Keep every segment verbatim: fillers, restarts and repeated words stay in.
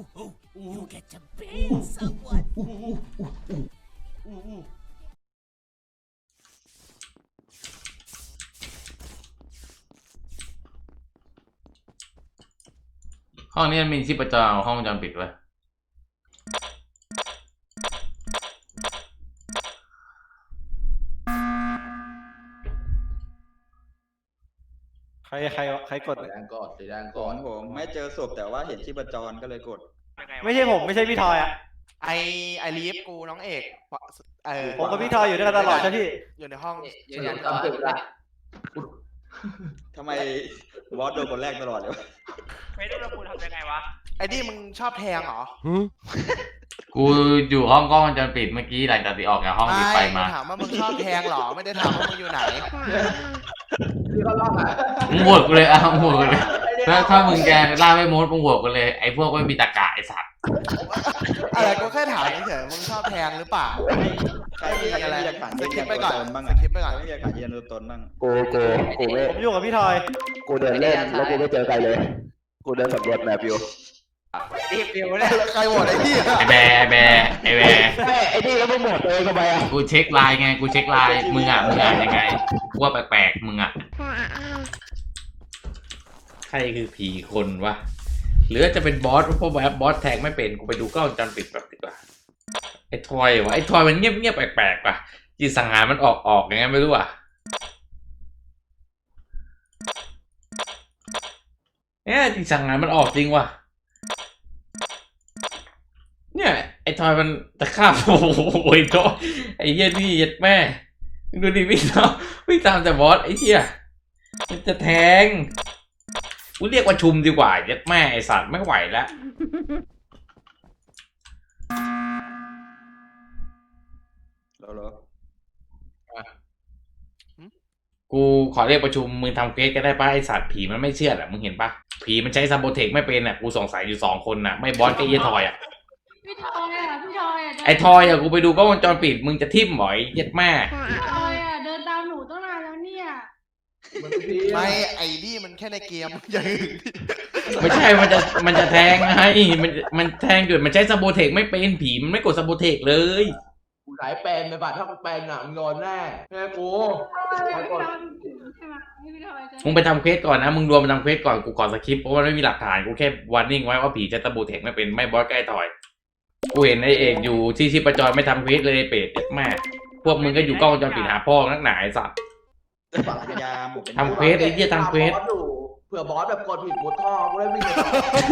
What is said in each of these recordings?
You get to bang someone. ห้องนี้มันมีชีพจรห้องวงจรปิดไว้ใครใครใครกดสีแดงกดสีแดงขกองดผมไม่เจอศพแต่ว่าเห็นชีพจรก็เลยกดไม่ใช่ผมไม่ใช่พี่ทอยอ่ะไอไอลีฟกูน้องเอกเออผมกับพี่ทอยอยู่ด้วยกันตลอดใช่พี่อยู่ในห้องยืนยันตอนปิดละทำไมบอสโดนคนแรกตลอดเลยวะไม่รู้เราคุณทำยังไงวะไอ้นี่มึงชอบแทงเหรอกูอยู่ห้องกล้องวงจรปิดเมื่อกี้หลังจากที่ออกจากห้องที่ไปมาถามว่ามึงชอบแทงเหรอไม่ได้ถามว่ามึงอยู่ไหนพี่ก็รอบอ่ะมึงโหวตกูเลยอ่ะมึงโหวตกูเลยถ้าถ้ามึงแกล่าไม่มดมึงโหวตกูเลยไอ้พวกไม่มีตะกะไอ้สัตว์อะไรกูแค่ถามเฉยๆมึงชอบแทงหรือเปล่าใครมีอะไรหลักฐานสยืนคิยัปนไปตัวก่อนตนบ้างสอะคิปไปก่อนไม่มีหลักฐานยืนยันตัวตนบ้างกูกูกูไม่ผมอยู่กับพี่ทอยกูเดินเล่นแล้วกูไม่เจอใครเลย กูเดินสำรวจแมปอยู่รีบเร็วเลยใครโหวตไอ้พี่ไอ้แบร์ไอ้แบร์ไอ้แบร์ไอ้ไอ้นี่แล้วมึงหมดเลยทำไมอ่ะกูเช็คไลน์ไงกูเช็คไลน์มึงอ่ะมึงอ่านยังไงกูว่าแปลกๆมึงอ่ะใครคือผีคนวะหรือจะเป็นบอสเพราะแบบบอสแทงไม่เป็นกูไปดูกล้องวงจรปิดแบบดีกว่าไอ้ทอยวะไอ้ทอยมันเงียบเงียบแปลกๆว่ะจิตสังหารมันออกออกยังไงไม่รู้อ่ะเนี่ยจิตสังหารมันออกจริงว่ะเนี่ยไอ้ทอยมันตะขาบโอ้โหไอ้ทอยไอ้เหี้ยนี่ยัดแม่ดูดิวิ่งตามวิ่งตามแต่บอสไอ้เหี้ยมันจะแทงกูเรียกว่าชุมดีกว่ายัดแม่ไอ้สัตว์ไม่ไหวแล้วแล้วเหรอกูขอเรียกประชุมมึงทำเควสก็ได้ป่ะไอสัตว์ผีมันไม่เชื่ออ่ะมึงเห็นป่ะผีมันใช้ซัมโบเทคไม่เป็นอ่ะกูสงสัยอยู่สองคนน่ะไม่บอสก็เยทอยอ่ะพี่ทอยอ่ะพี่ทอยอ่ะไอทอยอ่ะกูไปดูกล้องวงจรปิดมึงจะทิ่มหมอยเย็ดแม่พี่ทอยอ่ะเดินตามหนูตั้งนานแล้วเนี่ยมันเป็นพี่ไม่ไอ้นี่มันแค่ในเกมอย่างอื่นไม่ใช่มันจะมันจะแทงไงมันมันแทงจุดมันใช้ซัมโบเทคไม่เป็นผีมันไม่กดซัมโบเทคเลยกูสายเป็นไปบัดถ้ากูเป็นอ่ะมึงโดนแน่แม่กูพี่ทอยใช่ไหมพี่ทอยจะมึงไปทำเควสก่อนนะมึงรวมไปทำเควสก่อนกูขอสคริปต์เพราะมันไม่มีหลักฐานกูแค่วอร์นิ่งไว้ว่าผีใช้ซัมโบเทคไม่เป็นไม่บอสใกล้ทอยกูเห็นไอเอกอยู่ที่ชีพจรไม่ทำเควสเลยเป็ดเย็ดแม่พวกมึงก็อยู่กล้องวงจรปิดหาพ่อนักหนาไอ้สัตว์ฝั่งพยายามเป็นทำเควสไอ้เหี้ยทำเควสบอสอยู่เผื่อบอสแบบกดผิดมุดท่อกูได้วิ่งไปต่อ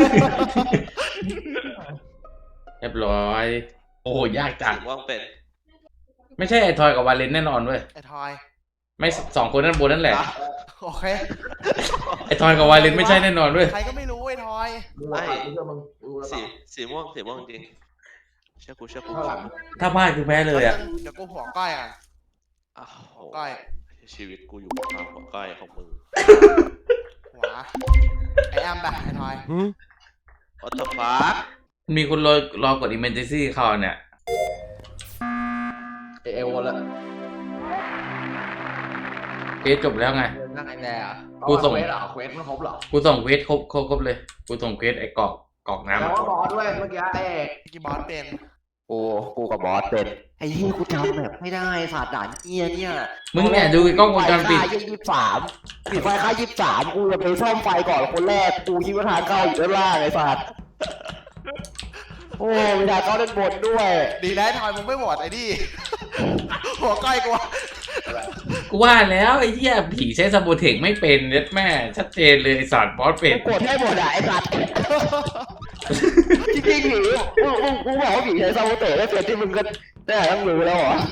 เรียบร้อยโอ้โหยากจังว่างเป็นไม่ใช่ไอ้ทอยกับวาเลนแน่นอนเว้ยไอ้ทอยไม่สองคนนั้นบนนั่นแหละโอเคไอ้ทอยกับวาเลนไม่ใช่แน่นอนเว้ยใครก็ไม่รู้ไอ้ทอยไม่กูเชื่อมึงกูแล้วสีสีม่วงสีม่วงจริงเชื่อกูเชื่อกูเท่าหลังถ้าพลาดคือแพ้เลยอ่ะเดี๋ยวกูหัวก้อยอ่ะอ้าวหัวก้อยชีวิตกูอยู่กับความหัวก้อยของมึงหัวไอ้แอมไปไอ้ทอย What the fuck มีคนรอรอกด emergency เข้าเนี่ยเอเอวแล้วเควสจบแล้วไงนั่งไอ้แน่อะกูส่งเควสเหรอเควสมันครบเหรอกูส่งเควสครบครบครบเลย กูส่งเควสไอ้กรอกกรอกน้ำแล้วมาก็บอสด้วยเมื่อกี้ไอ้เอกกี่บอสเป็นกูกูกับบอสเป็นไอ้ที่กูทำแบบไม่ได้ศาสตร์ด่านเงี้ยเนี่ยมึงเนี่ยดูกล้องวงจรปิดไฟค่ายี่สิบสามปิดไฟค่ายี่สิบสามกูจะไปซ่อมไฟก่อนคนแรกกูคิดว่าทางเข้าอยู่ด้านล่างไอ้ศาสตร์โอ้ไม่ได้เข้าด้านบนด้วยดีนะไอ้ทอยมึงไม่โหวตไอ้นี่ หัวก้อยกูกูว่าแล้วไอ้เหี้ยผีใช้ซัมโบเทคไม่เป็นเย็ดแม่ชัดเจนเลยไอ้สัตว์บอสเป็นกูกดให้หมดอ่ะไอ้สัตว์จริงๆผีกูกูกูบอกว่าผีใช้ซาโบเตะแล้วเสร็จที่มึงก็ได้ต้องรู้แล้วเหรอ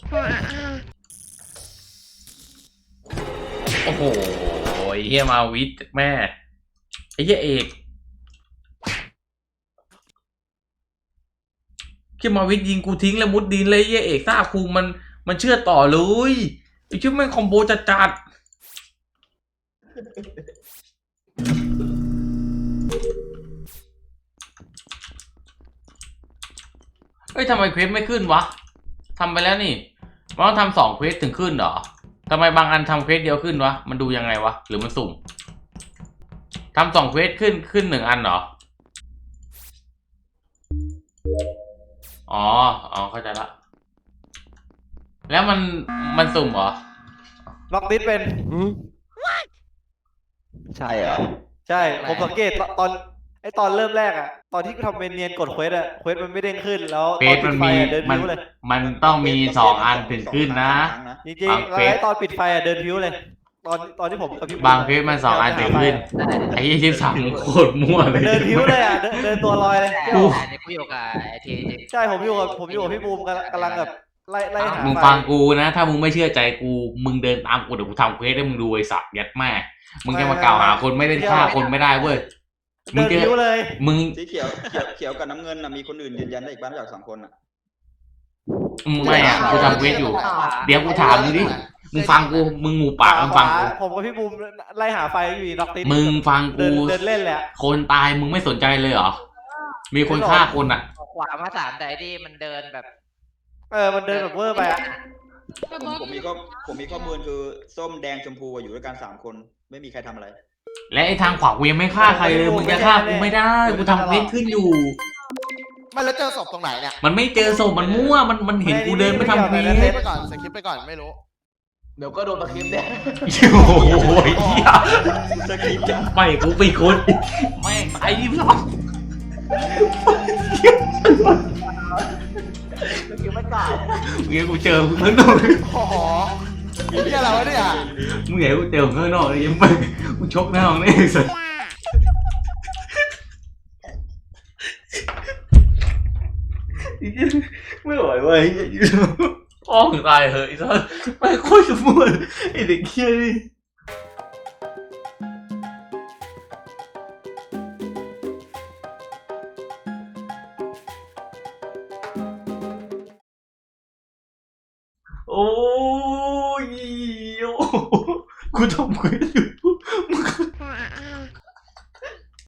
โอ้โหไอ้เหี้ยมาวิทย์แม่ไอ้เหี้ยเอกที่มาวิทย์ยิงกูทิ้งแล้วมุดดินเลยไอ้เหี้ยเอกซ่าคูมันมันเชื่อต่อเลยไอ้ชื่อแม่งคอมโบจัดจัดเอ้ยทำไมเควสไม่ขึ้นวะทำไปแล้วนี่มันต้องทำสองเควสถึงขึ้นเหรอทำไมบางอันทำเควสเดียวขึ้นวะมันดูยังไงวะหรือมันสุ่มทำสองเควสขึ้นขึ้นหนึ่งอันเหรออ๋ออ๋อเข้าใจละแล้วมันมันสุ่มเหรอล็อกดิสเป็นใช่เหรอใช่ ผมสังเกตตอนไอตอนเริ่มแรกอะตอนที่กูทำเป็นเนียนกดเควสอะเควสมันไม่เด้งขึ้นแล้วเฟตอนซปิมัดนไฟมีอะเดินมันพิ้วเลยมันต้องมีสองอันถึงขึ้นนะจริงบางๆเฟแล้วซไอตอนปิดไฟอะเดินพิ้วเลย ตอนตอนที่ผมกับพี่บางเฟซมันสองอันถึงขึ้นไอ้ยี่สิบสามโคตรมั่วเลยเดินพิ้วเลยอะเดินเดินตัวลอยเลยกูอันนี้กูอยู่กับไอทีจริงใช่ผมอยู่กับผมอยู่กับพี่บูมกำลังกำลังแบบไล่ไล่หามึงไฟฟังกูนะ ถ้ามึงไม่เชื่อใจกูมึงเดินตามกูเดี๋ยวกูทำเควสให้มึงดูไอ้สัตว์ยัดแม่มึงจะมากล่าวหาคนไม่ได้ฆ่าคนไม่ได้เว้ยมึเดิงนจะพิ้วเลยมึงสีเขียวเขียวเขียวกับน้ำเงินน่ะมีคนอื่นยืนยันได้อีกบ้างนอกจากสองคนอ่ะมึงไม่อ่ะกูทำเควสอยู่ เดี๋ยวกูถามมึงดิมึงฟังกูมึงหมูปากมึงฟังกูผมกับพี่บูมไล่หาไฟอยู่น็อกติสมึงฟังเดิกูนเดินเล่นแหละคนตายมึงไม่สนใจเลยเหรอมีคนฆ่าคนอ่ะขวามาสามแต่ไอ้ที่มันเดินแบบเออมันเดินแบบเวอร์ไปอะก็ผมบอสผมมีข้อผมมีข้อมูลคือส้มแดงชมพูอยู่ด้วยกันสามคน ไม่มีใครทำอะไรและไอ้ทางขวากูยังไม่ฆ่าใครเลยมึงจะฆ่ากูไม่ได้กูทำเควสขึ้นอยู่ไม่แล้วเจอศพตรงไหนเนี่ยมันไม่เจอศพมันมั่วมันมันเห็นกูเดินไปทำเควสสคริปต์ไปก่อนสคริปต์ไปก่อนไม่รู้เดี๋ยวก็โดนตะคริปเนี่ยโอ้โหเหี้ยสคริปต์จ้ะไม่กูเป็นคนแม่งตายยิ่งหรอกตะคริปไม่กล้าเมื่อกูเจอมึงข้างนอกโอ้โหนี่อะไรวะเนี่ยมึงเห็นกูเจอมึงข้างนอกเลยยังไม่กูชกหน้ามึงได้สัสไม่ไหวเว้ยอ้องตายเหอะไอ้สัสไม่โคตรจะมั่วไอ้เด็กเหี้ยนี่โอ้ยโอ้กูทำเควสอยู่มึง